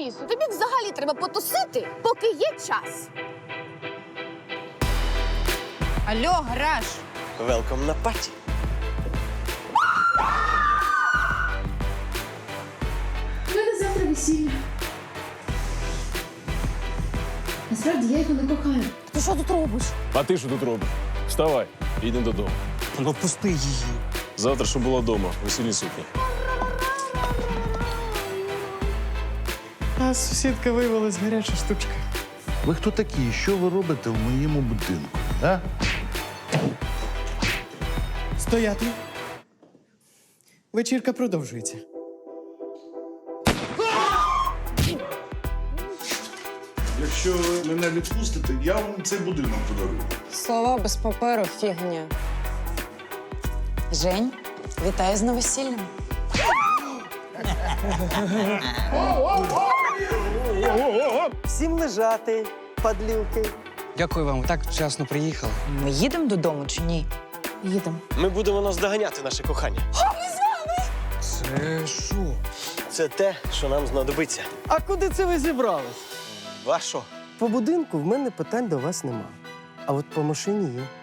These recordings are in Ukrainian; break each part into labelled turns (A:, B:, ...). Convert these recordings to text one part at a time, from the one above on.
A: Алісо, тобі взагалі треба потусити, поки є час.
B: Алло, гараж!
C: Велком на паті.
D: У мене завтра весілля. Насправді я його не кохаю.
A: Ти що тут робиш?
E: А ти що тут робиш? Вставай, їдемо додому.
C: Ну, пусти її.
E: Завтра, щоб була вдома, весільні сукні.
F: А сусідка виявилась гаряча штучка.
G: Ви хто такі? Що ви робите в моєму будинку? А?
F: Стояти. Вечірка продовжується.
G: Якщо ви мене відпустите, я вам цей будинок подарую.
B: Слова без паперу – фігня. Жень, вітаю з новосіллям.
C: Всім лежати, падлюки.
H: Дякую вам, ви так вчасно приїхали.
B: Ми їдемо додому чи ні?
D: Їдемо.
C: Ми будемо наздоганяти наше кохання.
H: Це що?
C: Це те, що нам знадобиться.
I: А куди це ви зібрались?
C: Вашо.
I: По будинку в мене питань до вас нема. А от по машині є.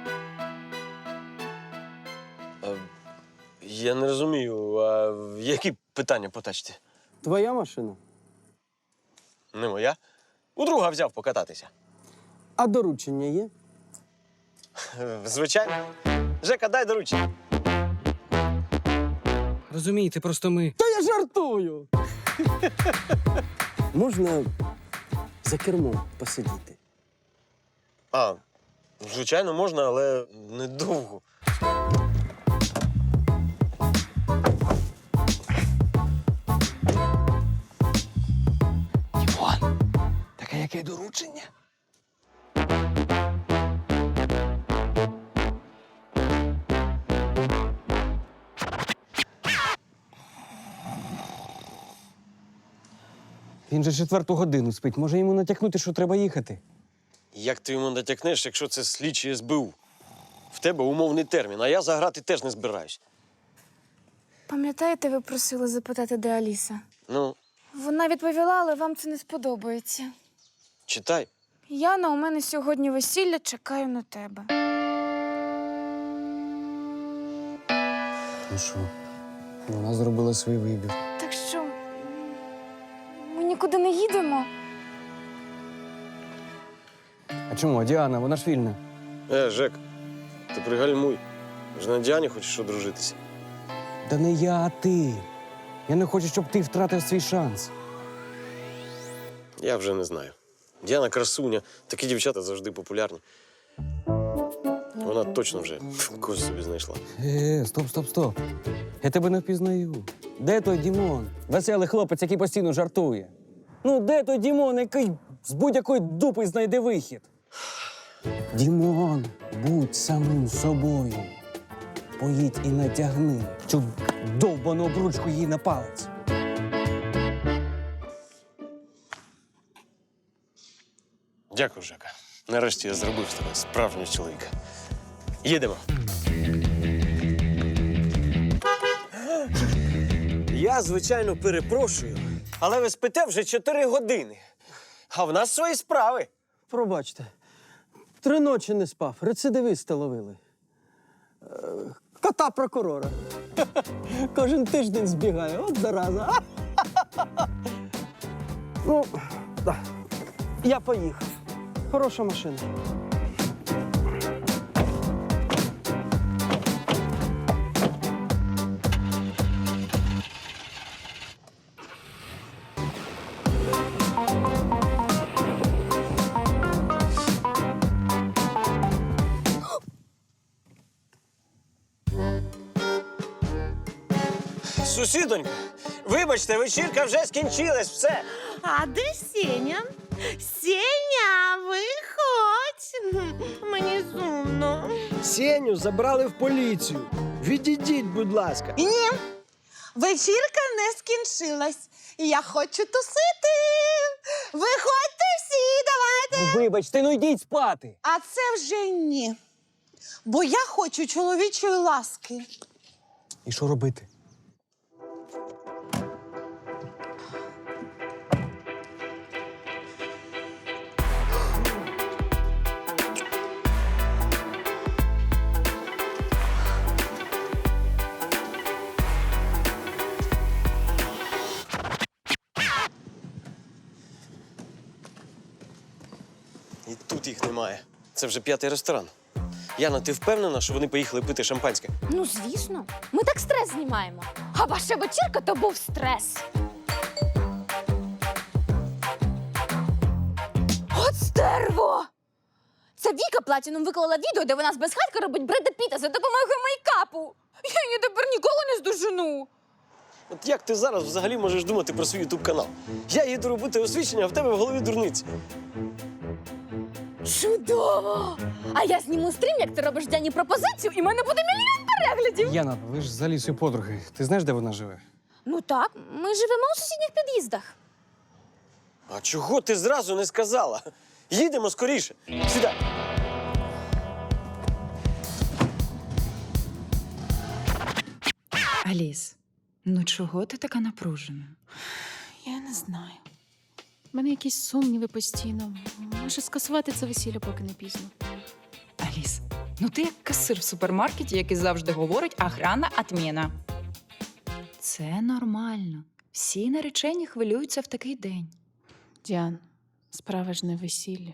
C: Я не розумію, а які питання по тачці?
I: Твоя машина?
C: Не моя. У друга взяв покататися.
I: А доручення є?
C: Звичайно. Жека, дай доручення.
H: Розумієте, просто ми.
I: Та я жартую! Можна за кермом посидіти?
C: А, звичайно, можна, але недовго.
H: Так а яке доручення?
F: Він же 4-ту годину спить. Може йому натякнути, що треба їхати?
C: Як ти йому натякнеш, якщо це слідчі СБУ? В тебе умовний термін, а я заграти теж не збираюсь.
D: Пам'ятаєте, ви просили запитати, де Аліса?
C: Ну,
D: Вона відповіла, але вам це не сподобається.
C: читай.
D: Яна, у мене сьогодні весілля, чекаю на тебе.
F: Ну що, вона зробила свій вибір.
D: Так що, ми нікуди не їдемо?
F: А чому? А Діана, вона ж вільна.
C: Жек, ти пригальмуй. Вже на Діані хочеш одружитися.
F: Да не я, а ти. Я не хочу, щоб ти втратив свій шанс.
C: Я вже не знаю. Діана красуня, такі дівчата завжди популярні. Вона точно вже когось собі знайшла.
F: Стоп. Я тебе не впізнаю. Де той Дімон? Веселий хлопець, який постійно жартує. Ну, де той Дімон, який з будь-якої дупи знайде вихід? Дімон, будь самим собою. Поїдь і натягни цю довбану обручку їй на палець.
C: Дякую, Жека. Нарешті я зробив з тебе справжнього чоловіка. Їдемо. Я, звичайно, перепрошую, але ви спите вже 4 години. А в нас свої справи.
I: Пробачте. 3 ночі не спав. Рецидивиста ловили. Кота прокурора. Кожен тиждень збігає. От зараза. Ну, да. Я поїхав. Хороша машина.
C: Сусідонька, вибачте, вечірка вже скінчилась, все.
J: А де Сеня? Сеня, виходь. Мені сумно.
I: Сеню забрали в поліцію. Відійдіть, будь ласка.
J: Ні, вечірка не скінчилась. Я хочу тусити. Виходьте всі, давайте.
F: Вибачте, ну йдіть спати.
J: А це вже ні. Бо я хочу чоловічої ласки.
F: І що робити?
C: І тут їх немає. Це вже 5-й ресторан. Яна, ти впевнена, що вони поїхали пити шампанське?
A: Ну, звісно. Ми так стрес знімаємо. А ваша вечірка то був стрес. От стерво! Це Віка Платінум виклала відео, де вона з безхатька робить Бреда Піта за допомогою мейкапу. Я її тепер ніколи не здожену.
C: От як ти зараз взагалі можеш думати про свій ютуб-канал? Я їду робити освічення, а в тебе в голові дурниці.
A: Чудово! А я зніму стрім, як ти робиш Дяні пропозицію, і в мене буде мільйон переглядів.
H: Яна, ви ж з Алісою подруги. Ти знаєш, де вона живе?
A: Ну так, ми живемо у сусідніх під'їздах.
C: А чого ти зразу не сказала? Їдемо скоріше. Сідай.
B: Аліс, ну чого ти така напружена?
D: Я не знаю. У мене якісь сумніви постійно. Може, скасувати це весілля, поки не пізно.
B: Аліс, ну ти як касир в супермаркеті, який завжди говорить «охрана отміна». Це нормально. Всі наречені хвилюються в такий день.
D: Діан, справа ж не весілля.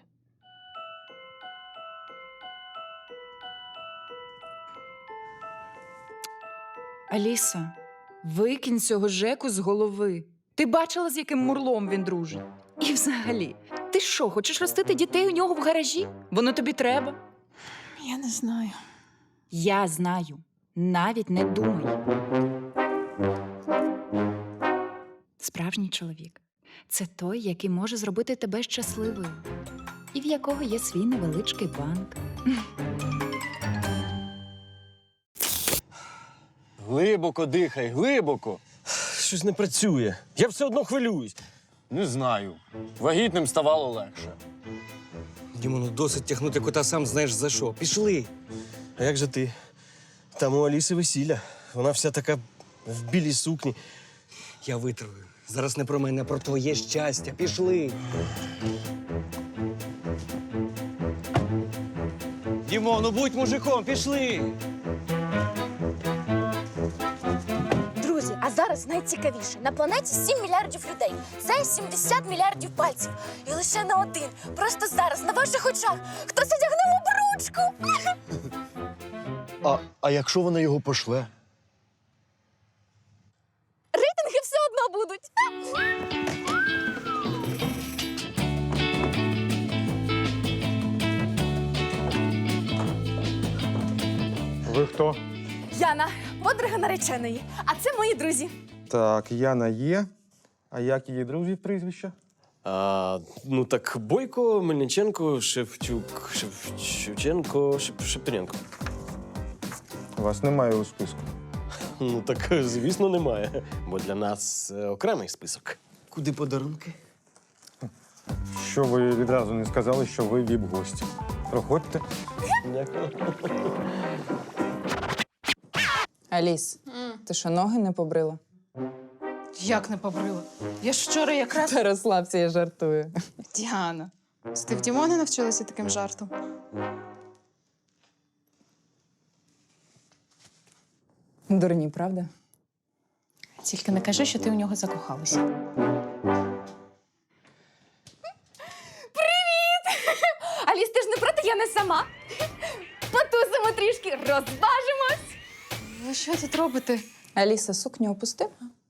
B: Аліса, викинь цього Жеку з голови. Ти бачила, з яким мурлом він дружить? І взагалі, ти що, хочеш ростити дітей у нього в гаражі? Воно тобі треба?
D: Я не знаю.
B: Я знаю. Навіть не думай. Справжній чоловік – це той, який може зробити тебе щасливою. І в якого є свій невеличкий банк.
C: Глибоко дихай, глибоко. Щось не працює. Я все одно хвилююсь.
E: Не знаю. Вагітним ставало легше.
F: Дімону, досить тягнути кота сам знаєш за що. Пішли.
C: А як же ти? Там у Аліси весілля. Вона вся така в білій сукні.
F: Я витримую. Зараз не про мене, а про твоє щастя. Пішли. Дімону, будь мужиком, пішли.
A: Друзі, а зараз найцікавіше. На планеті 7 мільярдів людей. Це 70 мільярдів пальців. І лише на один, просто зараз, на ваших очах, хтось одягнув обручку.
K: А якщо вона його пошле?
A: Рейтинги все одно будуть.
L: Ви хто?
A: Яна, подруга нареченої. А це мої друзі.
L: Так, Яна є. А як її друзів прізвища?
C: Ну так Бойко, Мельниченко, Шевчук, Шевченко, Шепетенко.
L: Вас немає у списку.
C: Ну так, звісно, немає. Бо для нас окремий список.
F: Куди подарунки?
L: Що ви відразу не сказали, що ви віп-гості? Проходьте.
C: Дякую.
B: Аліс, ти що, ноги не побрила?
D: Як не побрила? Я ж вчора якраз...
B: Та розслабся, я жартую.
D: Діана, ти в Дімони навчилася таким жартом?
B: Дурні, правда?
D: Тільки не кажи, що ти у нього закохалася.
A: Аліс, ти ж не проти, я не сама. Потусимо трішки, розважимось.
D: Ви що тут робите?
B: Аліса, сукню опусти.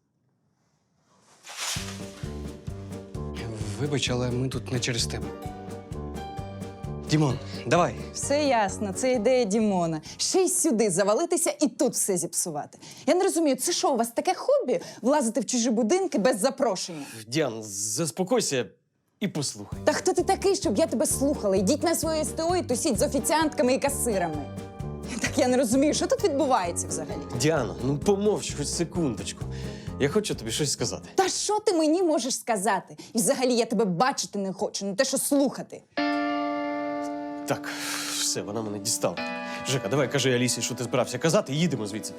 H: Вибач, але ми тут не через тебе. Дімон, давай.
B: Все ясно, це ідея Дімона. Ще й сюди завалитися і тут все зіпсувати. Я не розумію, це що, у вас таке хобі – влазити в чужі будинки без запрошення?
C: Діан, заспокойся і послухай.
B: Та хто ти такий, щоб я тебе слухала? Йдіть на своє СТО і тусіть з офіціантками і касирами. Так я не розумію, що тут відбувається взагалі?
C: Діана, ну помовч хоч секундочку. Я хочу тобі щось сказати.
B: Та що ти мені можеш сказати? І взагалі я тебе бачити не хочу, не те, що слухати.
C: Так, все, вона мене дістала. Жека, давай кажи Алісі, що ти збирався казати, і їдемо звідси.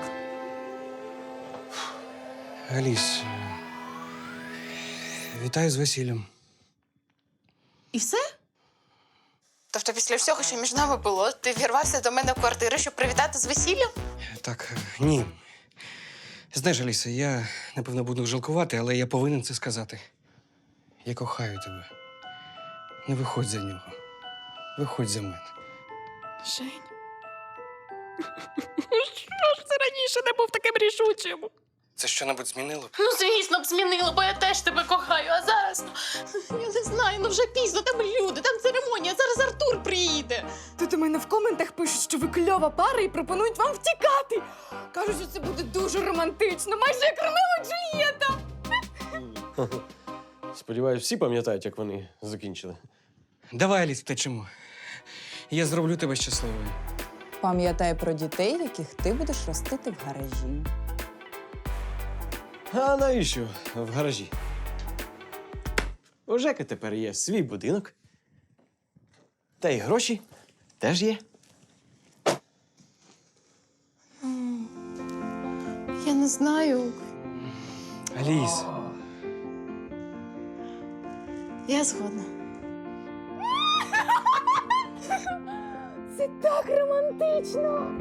H: Аліс, вітаю з весіллям.
J: І все? Тобто після всього, що між нами було, ти вірвався до мене в квартиру, щоб привітати з весіллям?
H: Так, ні. Знаєш, Аліса, я, напевно, буду жалкувати, але я повинен це сказати. Я кохаю тебе. Не виходь за нього. Виходь за мене.
D: Жень. Що ж це раніше не був таким рішучим?
H: Це що-небудь змінило?
J: Ну, звісно б, змінило, бо я теж тебе кохаю, а зараз, я не знаю, вже пізно, там люди, там церемонія, зараз Артур приїде.
A: Тут у мене в коментах пишуть, що ви кльова пара і пропонують вам втікати. Кажуть, що це буде дуже романтично, майже як Ромео і Джульєта.
C: Сподіваюсь, всі пам'ятають, як вони закінчили.
H: Давай, Аліс, втечемо. Я зроблю тебе щасливою.
B: Пам'ятай про дітей, яких ти будеш ростити в гаражі.
C: А навіщо в гаражі? У Жеки тепер є свій будинок. Та й гроші теж є.
J: Я не знаю.
H: Аліс.
J: Я згодна.
A: Це так романтично.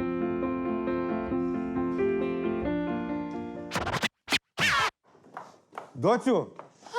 I: Доцю!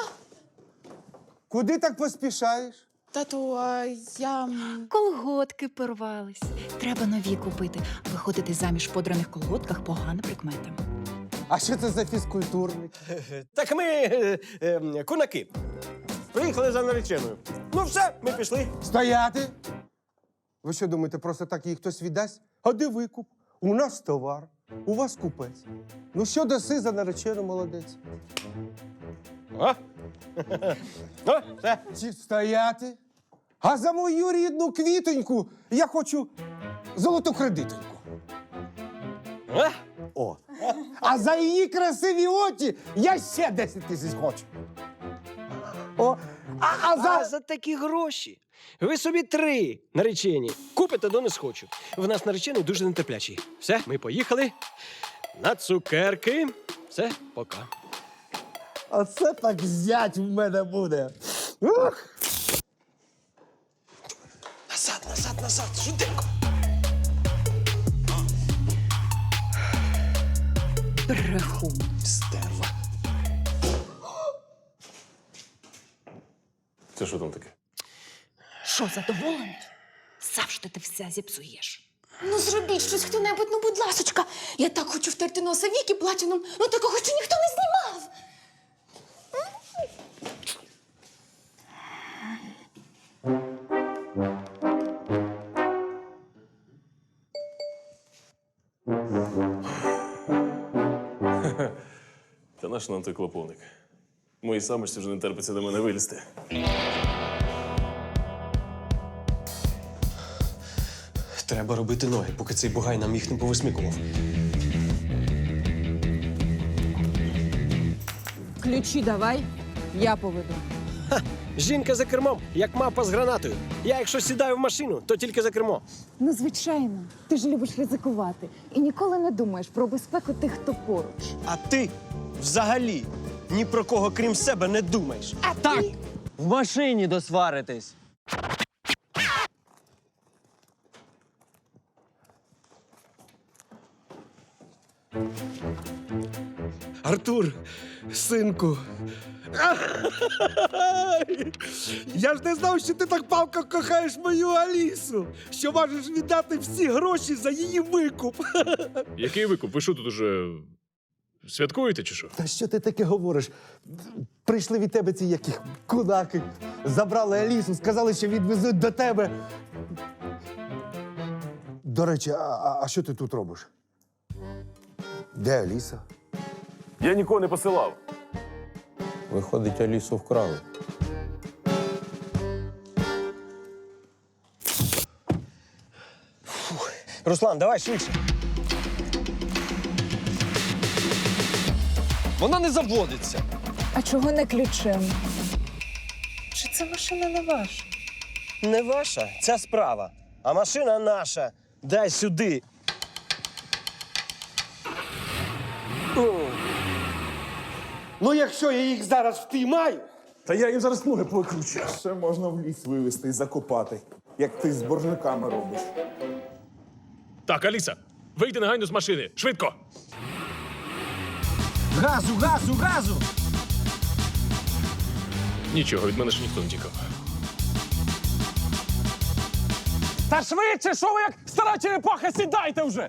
I: Куди так поспішаєш?
J: Тату, а я...
B: Колготки порвались. Треба нові купити. Виходити заміж в подраних колготках – погана прикмета.
I: А що це за фізкультурник?
C: Так ми кунаки. Приїхали за нареченою. Ну все, ми пішли.
I: Стояти! Ви що думаєте, просто так їй хтось віддасть? А де викуп? У нас товар, у вас купець. Ну що даси за наречену, молодець?
C: О! О, все.
I: Стояти! А за мою рідну квітоньку я хочу золоту кредитоньку.
C: О!
I: А за її красиві очі я ще 10 тисяч хочу. О, а за
C: такі гроші ви собі 3 наречені купите до не схочу. В нас наречений дуже нетерплячий. Все, ми поїхали на цукерки. Все, пока.
I: Оце так зять в мене буде. Ух!
C: Назад, швиденько.
B: Брехун.
C: Стерва. Це що там таке?
B: Що, задоволений? Завжди ти все зіпсуєш.
A: Ну зробіть щось хто-небудь, ну будь ласочка. Я так хочу втерти носа Вікі платіном, ну такого ще ніхто не знімав.
M: Та наш нам той клоповник. Моїй самочці вже не терпиться до мене вилізти.
C: Треба робити ноги, поки цей бугай нам їх не повисмикував.
B: Ключі давай, я поведу.
C: Жінка за кермом, як мавпа з гранатою. Я, якщо сідаю в машину, то тільки за кермо.
B: Ну, звичайно. Ти ж любиш ризикувати і ніколи не думаєш про безпеку тих, хто поруч.
C: А ти взагалі ні про кого, крім себе, не думаєш.
F: Так! В машині досваритись.
I: Артур, синку. Я ж не знав, що ти так палко кохаєш мою Алісу, що можеш віддати всі гроші за її викуп.
M: Який викуп? Ви що тут уже святкуєте чи що?
I: Та що ти таке говориш? Прийшли від тебе ці які кунаки, забрали Алісу, сказали, що відвезуть до тебе. До речі, а що ти тут робиш? Де Аліса?
M: Я нікого не посилав.
C: Виходить, Алісу вкрали. Руслан, давай швидше.
F: Вона не заводиться.
B: А чого не ключем?
C: Чи це машина не ваша? Не ваша, ця справа. А машина наша. Дай сюди.
I: Ну, якщо я їх зараз впіймаю.
G: Та я їм зараз ноги покручу. Ще можна в ліс вивезти і закопати, як ти з боржниками робиш.
M: Так, Аліса, вийди негайно з машини. Швидко!
I: Газу, газу, газу!
M: Нічого, від мене ще ніхто не тікав.
H: Та швидше, що ви як стара черепаха, сідайте вже!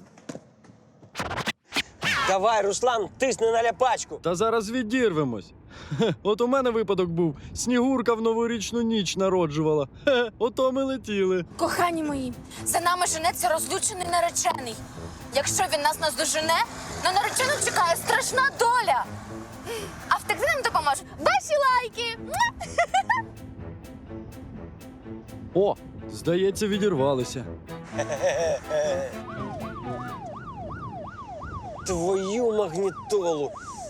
C: Давай, Руслан, тисни на ляпачку.
K: Та зараз відірвемось. От у мене випадок був. Снігурка в новорічну ніч народжувала. Ото ми летіли.
A: Кохані мої, за нами женеться розлючений наречений. Якщо він нас наздожене, на наречену чекає страшна доля. А втекти нам допоможе ваші лайки.
K: О, здається, відірвалися.
C: Твою магнітолу.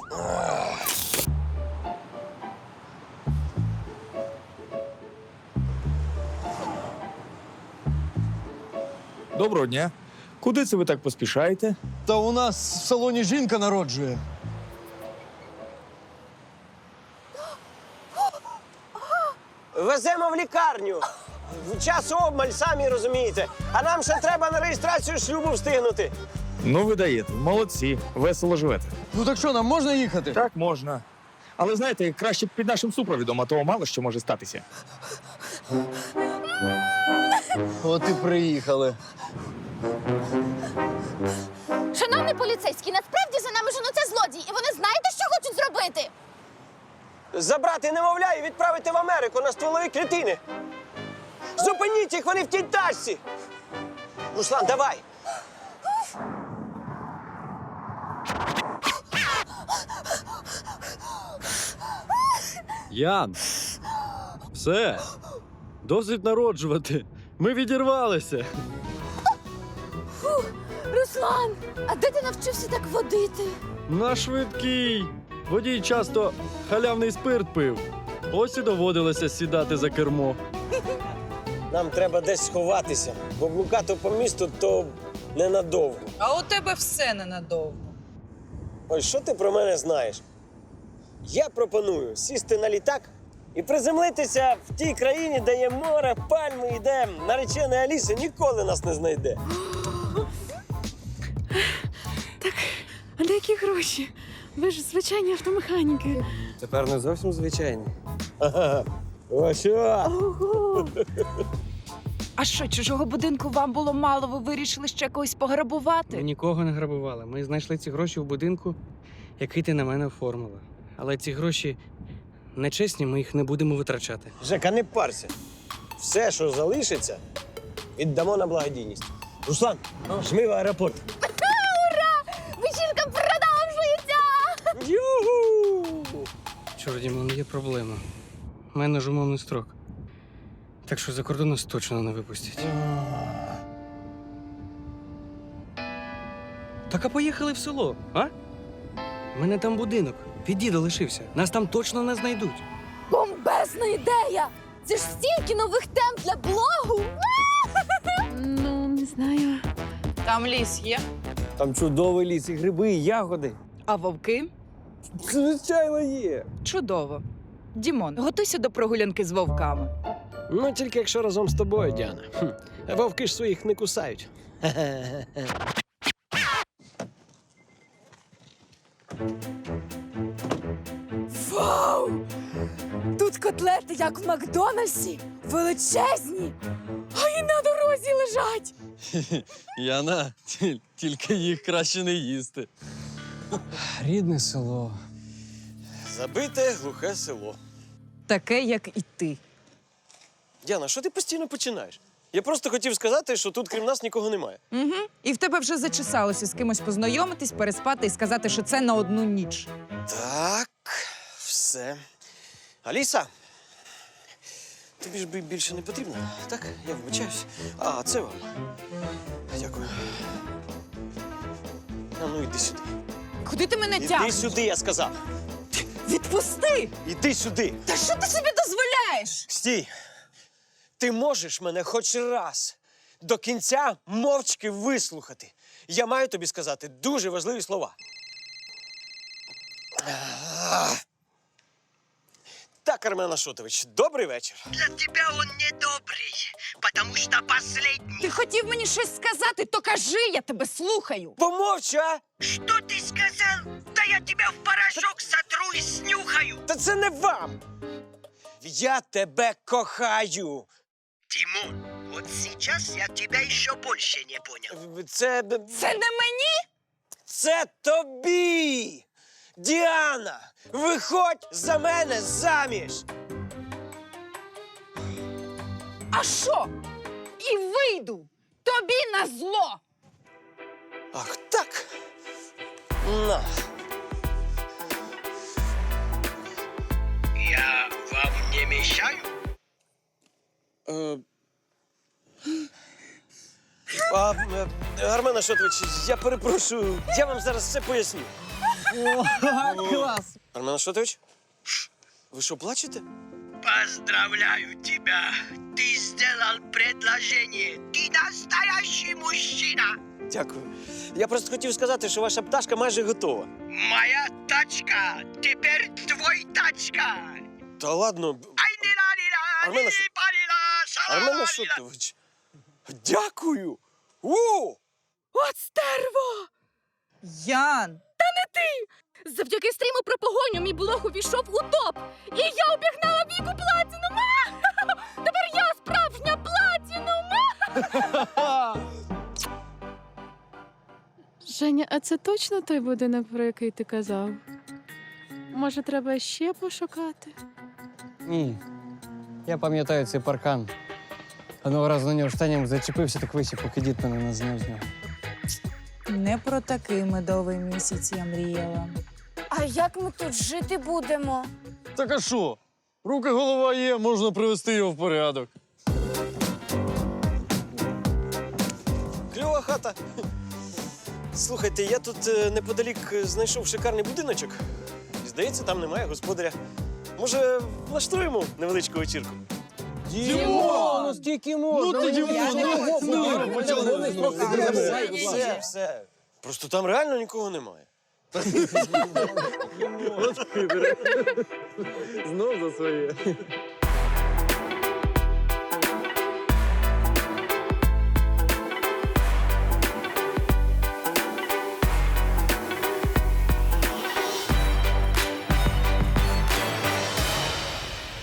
L: Доброго дня. Куди це ви так поспішаєте?
K: Та у нас в салоні жінка народжує.
C: Веземо в лікарню. Час обмаль, самі розумієте. А нам ще треба на реєстрацію шлюбу встигнути.
L: Ну, ви даєте. Молодці. Весело живете.
K: Ну так що, нам можна їхати?
L: Так, можна. Але знаєте, краще під нашим супровідом, а то мало що може статися.
K: От і приїхали.
A: Шановний поліцейський, насправді за нами женуться злодії, і вони знаєте, що хочуть зробити?
C: Забрати немовля і відправити в Америку на стволові клітини. Зупиніть їх, вони в тій тачці. Руслан, давай.
K: Ян, все. Досить народжувати. Ми відірвалися.
A: Руслан, а де ти навчився так водити?
K: На швидкий. Водій часто халявний спирт пив. Ось і доводилося сідати за кермо.
C: Нам треба десь сховатися, бо блукати по місту то ненадовго.
B: А у тебе все ненадовго.
C: Ой, що ти про мене знаєш? Я пропоную сісти на літак і приземлитися в тій країні, де є море, пальми і де наречена Аліса ніколи нас не знайде.
D: А на які гроші? Ви ж звичайні автомеханіки.
C: Тепер не зовсім звичайні. Ага. Ось що?
B: А що, чужого будинку вам було мало, ви вирішили ще когось пограбувати?
H: Ми нікого не грабували. Ми знайшли ці гроші в будинку, який ти на мене оформила. Але ці гроші нечесні, ми їх не будемо витрачати.
C: Жека, не парся. Все, що залишиться, віддамо на благодійність. Руслан, жми в аеропорт.
A: Ура! Вечірка продовжується!
C: Юху!
H: Чорт, Дімон, є проблема. У мене ж умовний строк. Так що за кордон нас точно не випустять. Так а поїхали в село, а? У мене там будинок. Від діда лишився. Нас там точно не знайдуть.
A: Бомбезна ідея! Це ж стільки нових тем для блогу!
D: Ну, не знаю.
B: Там ліс є.
F: Там чудовий ліс, і гриби, і ягоди.
B: А вовки?
F: Звичайно, є.
B: Чудово. Дімон, готуйся до прогулянки з вовками.
C: Ну, тільки якщо разом з тобою, Діана. Вовки ж своїх не кусають.
A: Вау! Тут котлети, як в Макдональдсі, величезні, а і на дорозі лежать.
K: Яна, тільки їх краще не їсти.
F: Рідне село.
C: Забите глухе село.
B: Таке, як і ти.
C: Діана, що ти постійно починаєш? Я просто хотів сказати, що тут крім нас нікого немає.
B: Угу. І в тебе вже зачесалося з кимось познайомитись, переспати і сказати, що це на одну ніч.
C: Так, все. Аліса, тобі ж більше не потрібно, так? Я вибачаюсь. А, це вам. Дякую. А ну, іди сюди.
B: Куди ти мене
C: Іди
B: тягнеш?
C: сюди, я сказав.
B: Відпусти!
C: Іди сюди.
B: Та що ти собі дозволяєш?
C: Стій. Ти можеш мене хоч раз до кінця мовчки вислухати. Я маю тобі сказати дуже важливі слова. Так, Армен Ашотович, добрий вечір.
N: Для тебя он недобрый, потому что последний.
B: Ти хотів мені щось сказати, то кажи, я тебе слухаю.
C: Помовчи, а?
N: Что ты сказал? Да я тебя в порошок сотру и снюхаю.
C: Та це не вам. Я тебе кохаю.
N: Тимон, Вот сейчас я тебя еще больше не понял.
C: Це
A: не мені?
C: Це тобі! Діана, виходь за мене заміж!
A: А що? І вийду! Тобі на зло!
C: Ах так! На!
N: Я вам не мешаю?
C: Армен Ашотович, я перепрошую, я вам зараз все поясню.
H: Клас!
C: Армен Ашотович, ви що, плачете?
N: Поздравляю тебя! Ты сделал предложение! Ты настоящий мужчина!
C: Дякую. Я просто хотів сказати, що ваша пташка майже готова.
N: Моя тачка! Теперь твой тачка!
C: Та ладно,
N: Ай-ні-ла-ні-ла,
C: Армен Ашот-
N: ні-паліла,
C: Армен
N: шала-ла-ла.
C: Ашотович, дякую!
A: От стерво!
B: Ян!
A: Завдяки стріму про погоню мій блог увійшов у топ! І я обігнала Віку Платінум! Тепер я справжня Платінум!
D: Женя, а це точно той будинок, про який ти казав? Може, треба ще пошукати?
H: Ні. Я пам'ятаю цей паркан. Одного разу на нього штаням зачепився, так висів, поки дід мене не зняв з нього.
B: Не про такий медовий місяць я мріяла.
A: А як ми тут жити будемо?
K: Так а що? Руки, голова є, можна привести його в порядок.
C: Кльова хата. Слухайте, я тут неподалік знайшов шикарний будиночок. І, здається, там немає господаря. Може, влаштуємо невеличку вечірку?
F: Дімон, ну скільки можна?
K: Ну ти, Дімон,
C: Все. Просто там реально нікого немає.
K: Знов за своє.